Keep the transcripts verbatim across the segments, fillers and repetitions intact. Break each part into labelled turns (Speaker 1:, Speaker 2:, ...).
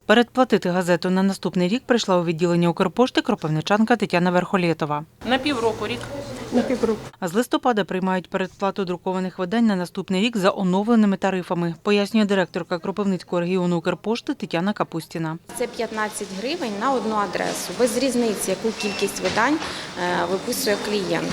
Speaker 1: Передплатити газету на наступний рік прийшла у відділення Укрпошти кропивничанка Тетяна Верхолєтова.
Speaker 2: На півроку рік.
Speaker 3: На півроку.
Speaker 1: А з листопада приймають передплату друкованих видань на наступний рік за оновленими тарифами, пояснює директорка Кропивницького регіону Укрпошти Тетяна Капустіна.
Speaker 4: Це п'ятнадцять гривень на одну адресу, без різниці, яку кількість видань виписує клієнт.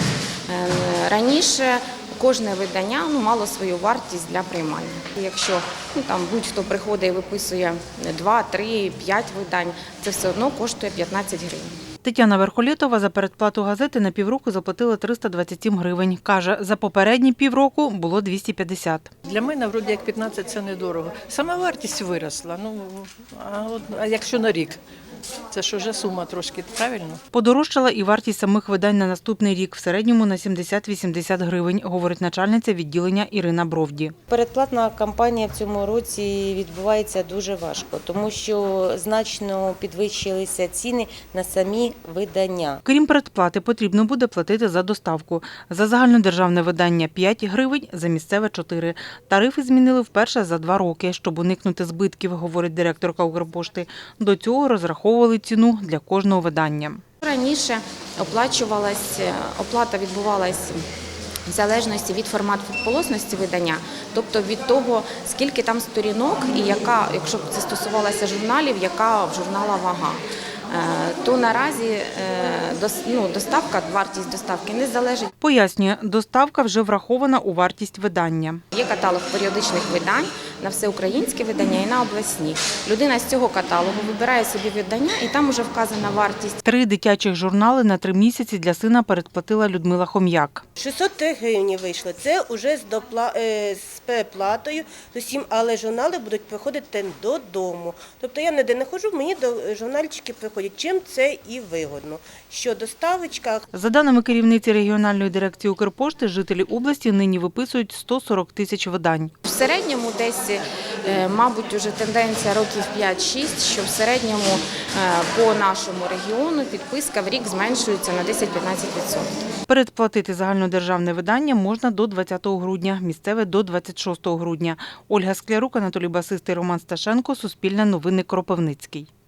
Speaker 4: Раніше кожне видання ну, мало свою вартість для приймання. Якщо ну, там будь-хто приходить і виписує два, три, п'ять видань, це все одно коштує п'ятнадцять гривень.
Speaker 1: Тетяна Верхолєтова за передплату газети на півроку заплатила триста двадцять сім гривень. Каже, за попередні півроку було двісті п'ятдесят.
Speaker 2: Для мене, вроді, як п'ятнадцять – це недорого. Сама вартість виросла, ну, а, от, а якщо на рік? Це ж вже сума трошки, правильно?
Speaker 1: Подорожчала і вартість самих видань на наступний рік, в середньому на сімдесят-вісімдесят гривень, говорить начальниця відділення Ірина Бровді.
Speaker 5: Передплатна кампанія в цьому році відбувається дуже важко, тому що значно підвищилися ціни на самі видання.
Speaker 1: Крім передплати, потрібно буде платити за доставку. За загальнодержавне видання – п'ять гривень, за місцеве – чотири. Тарифи змінили вперше за два роки, щоб уникнути збитків, говорить директорка Укрпошти. До цього розраховували ціну для кожного видання.
Speaker 4: Раніше оплачувалась, оплата відбувалась в залежності від формату полосності видання, тобто від того, скільки там сторінок і яка, якщо б це стосувалося журналів, яка в журнала вага. То наразі ну, доставка, вартість доставки не залежить.
Speaker 1: Пояснює, доставка вже врахована у вартість видання.
Speaker 4: Є каталог періодичних видань на всеукраїнське видання і на обласні. Людина з цього каталогу вибирає собі видання і там вже вказана вартість.
Speaker 1: Три дитячих журнали на три місяці для сина передплатила Людмила Хом'як.
Speaker 6: шістсот три гривні вийшло. Це вже з, допла... з переплатою з усім, але журнали будуть приходити додому. Тобто я ніде не ходжу, мені до журнальчики приходять. Чим це і вигодно. Що доставочка.
Speaker 1: За даними керівниці регіональної дирекції Укрпошти, жителі області нині виписують сто сорок тисяч видань.
Speaker 4: В середньому десь, мабуть, уже тенденція років п'ять-шість, що в середньому по нашому регіону підписка в рік зменшується на десять-п'ятнадцять відсотків.
Speaker 1: Передплатити загальнодержавне видання можна до двадцятого грудня, місцеве – до двадцять шостого грудня. Ольга Склярук, Анатолій Басистий, Роман Сташенко, Суспільне новини, Кропивницький.